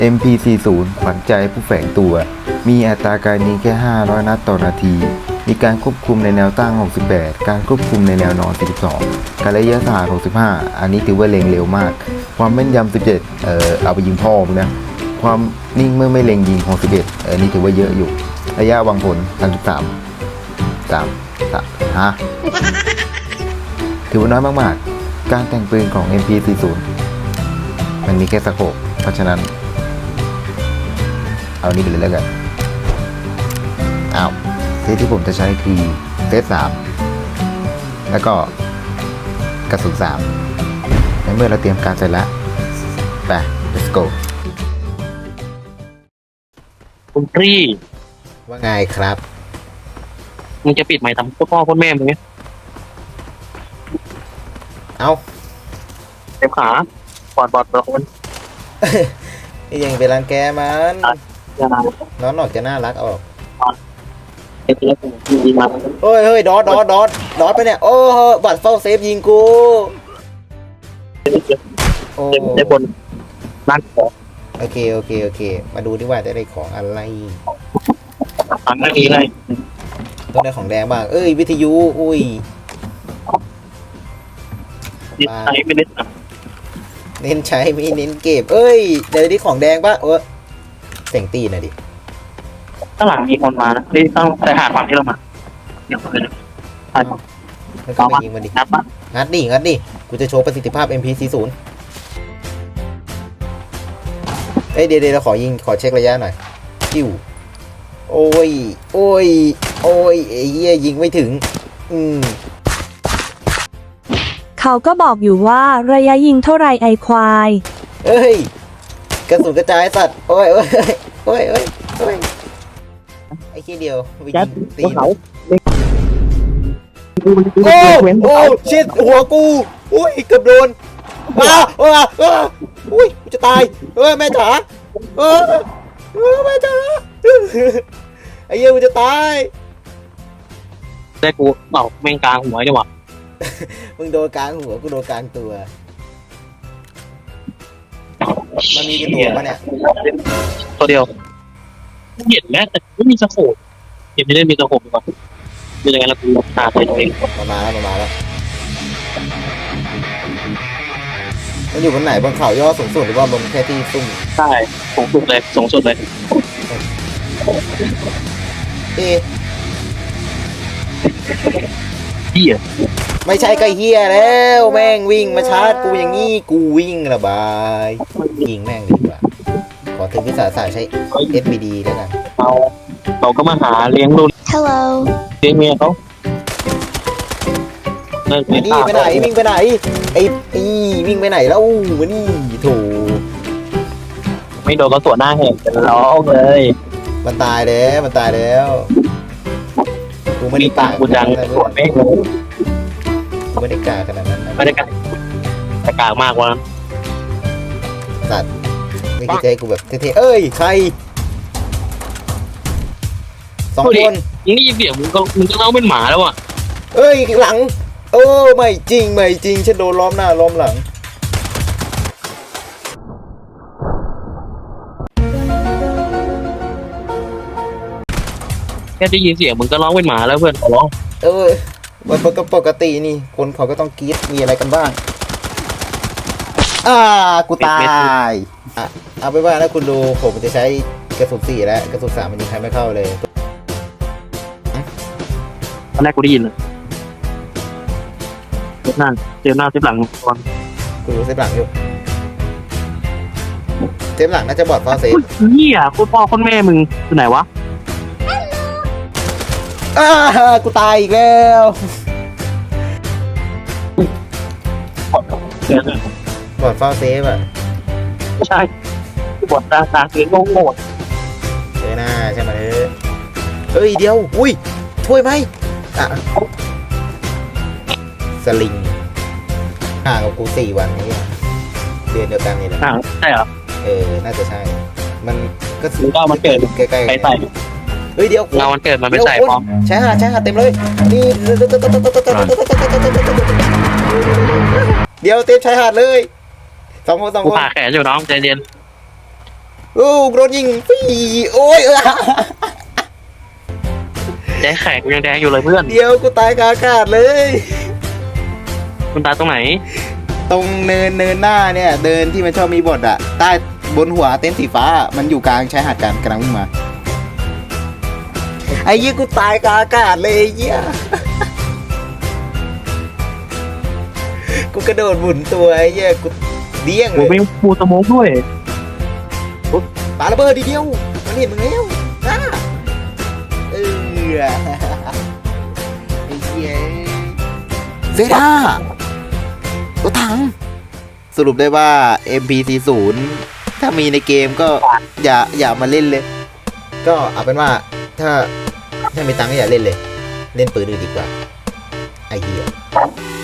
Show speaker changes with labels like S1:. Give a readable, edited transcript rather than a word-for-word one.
S1: MP40 ขวัญใจผู้แฝงตัว มีอัตราการยิงแค่ 500 นัดต่อนาที มีการควบคุมในแนวตั้ง 68 การควบคุมในแนวนอน 42 การระยะทหาร 65 อันนี้ถือว่าเล็งเร็วมาก ความแม่นยำ 17 เอาไปยิงพ่อมึงนะ ความนิ่งเมื่อไม่เล็งยิง 61 นี่ถือว่าเยอะอยู่ ระยะวางผล 33 ฮะ ถือว่าน้อยมากๆ การแต่งปืนของ MP40 มันมีแค่สโคปเพราะฉะนั้น เอานี่ไปเลยแล้วกันเซตที่ผมจะใช้คือเซต3แล้วก็กระสุน3ในเมื่อเราเตรียมการเสร็จแล้วไป let's go
S2: คุณพี่
S1: ว่าไงครับ
S2: มึงจะปิดไมค์ทำพ่อพ่อแม่มึงเนี่ย
S1: เอา
S2: เต็มขาปอดละคน
S1: ยังไปรังแกมัน
S2: อย่า
S1: น้องออกจะน่ารักออก
S2: เต็มแล้วกูดีมา
S1: เฮ้ยดอทไปเนี่ยโอ้บัตรเฝ้าเซฟยิงกูโอ้
S2: เต็มบนร้านของ
S1: โอเคมาดูดีว่าจะได้ของอะไร
S2: ฟังได้ดีเลย
S1: ต้องได้ของแดงบ้างวิทยุอุ้ย
S2: นิสัยไม่ได้สั่ง
S1: เน้นใช้ไม่เน้นเก็บเดี๋ยวนี้ของแดงปะเสียงตีหน่อยดิ
S2: ข้างหลังมีคนมานะที่ต้องไปหาฝั่งที่เรามาเดี๋ยวเลยใช่
S1: มันก็มายิงมันดิ
S2: นับปะ
S1: งัดดิกูจะโชว์ประสิทธิภาพ MP40 เดี๋ยวขอเช็คระยะหน่อยจิ้วโอ้ยไอ้เหี้ยยิงไม่ถึง
S3: เขาก็บอกอยู่ว่าระยะยิงเท่าไรไอควาย
S1: กระสุนกระจายสัตว์โอ้ยไอ้ขี้เดียวไปยิงตีน
S2: เขา
S1: โอ้ชิดหัวกูอุ้ยเกือบโดนอุ้ยกูจะตายแม่จ๋าแม่จ๋าไอ้เหี้ยกูจะตาย
S2: ได้กูเป่าแม่งกลางหัวดีกว่า
S1: มึงโดนกลางหัวกูโดนกลางตัวมันมีกี่ตัวปะเนี่ย
S2: ตัวเดียวเห็นแล้วแต่ไม่มีสโคปเห็นไม่ได้มีสโคปดีกว่าดูยังไงแล้วกูตาตัวเอง
S1: มาแล้วมันอยู่บนไหนบนเขาย่อสูงสุดหรือว่าบนแค่ที่ซุ่ม
S2: ใช่สูงสุดเลยเฮีย
S1: ไม่ใช่ก็เฮียแล้วแม่งวิ่งมาชาร์จกูอย่างงี้กูวิ่งระบายยิงแม่งดีกว่าขอถึงวิสาสะใช้ SBD แล้วกัน
S2: เราก็มาหาเลี้ยงลูก
S3: Hello
S2: เลี้ยงเมียเขา
S1: นี่ไปไหนวิ่งไปไหนไอ้วิ่งไปไหนแล้วมานี่โถ
S2: ไม่โดนก็สวนหน้าแหกจะร้องเลย
S1: มันตายแล้วกูไม่ได้กา
S2: กูจังสวนไม่เลย
S1: กูไม่ได้กาขนาดนั้นนะ
S2: ไม่ได้กลางแต่กลางมากวะ
S1: สัตว์ไม่คิดจะให้กูแบบเท่ๆใคร2 คน
S2: มึงนี่เสียงมึงก็เล่าเป็นหมาแล้วอ่ะ
S1: หลังไม่จริงฉันโดนล้อมหน้าล้อมหลัง
S2: แค่ได้ยินเสียงมึงก็ร้องเป็นหมาแล้วเพื่อนขอร้อง
S1: มันปกตินี่คนเขาก็ต้องกรี๊ดมีอะไรกันบ้างกูตายเอาไปว่าแล้วคุณดูผมจะใช้กระสุน4แล้วกระสุน3มันยิงใครไม่เข้าเลย
S2: ตอนแรกกูได้ยินเลยเจ็บหน้าเจ็บหลังก่อน
S1: กูรู้เซฟหลังอยู่เซฟหลังน่าจะบอดฟอเซฟ
S2: เฮียคุณพ่อคุณแม่มึงอยู่ไหนวะ
S1: กูตายอีกแล้ว บอดฟอเซฟอ่ะ
S2: ไม่ใช่บทตาเสียงโง่
S1: หน้าใช่ไหมเดี๋ยวอุ้ยช่วยไหมสลิงห่างกับกู4 วันนี้เดือนเดียวกันนี่แหละ
S2: ใช่เหรอ
S1: น่าจะใช่มันก็
S2: หรือว่ามันเกิด
S1: ใกล้ๆ
S2: ใส่
S1: เดี๋ยว
S2: เงามันเกิดมันไม่ใส่พร้อม
S1: ใช่หาเต็มเลยนี่เดี๋ยวเต็มชายหาดเลย2 คน
S2: กูผ่าแขนอยู่น้องใจเย็น
S1: โอ้โดนยิงฟรีโอ้ย
S2: แดงแข็งยังแดงอยู่เลยเพื่อน
S1: เดี๋ยวกูตายกลางอากาศเลย
S2: มันตายตรงไหน
S1: ตรงเนินหน้าเนี่ย เดินที่มันชอบมีบทอะใต้บนหัวเต็นท์สีฟ้า มันอยู่กลางชายหาดกันกำลังวิ่งมา ไอ้เหี้ยกูตายกลางอากาศเลยไอ้เหี้ย กูกระโดดหมุนตัวไอ้เหี้ยกูเดี้ยงเล
S2: โอ้
S1: ย
S2: ไม่ปูสโมกด้วย
S1: ปาระเบิดทีเดียวมันเห็นมึงแล้วนะเออไอ้เหี้ยเซด้ารถถังสรุปได้ว่า MP40 ถ้ามีในเกมก็อย่ามาเล่นเลย ก็เอาเป็นว่าถ้ามีตังค์ก็อย่าเล่นเลย เล่นปืนอื่นดีกว่า ไอ้เหี้ย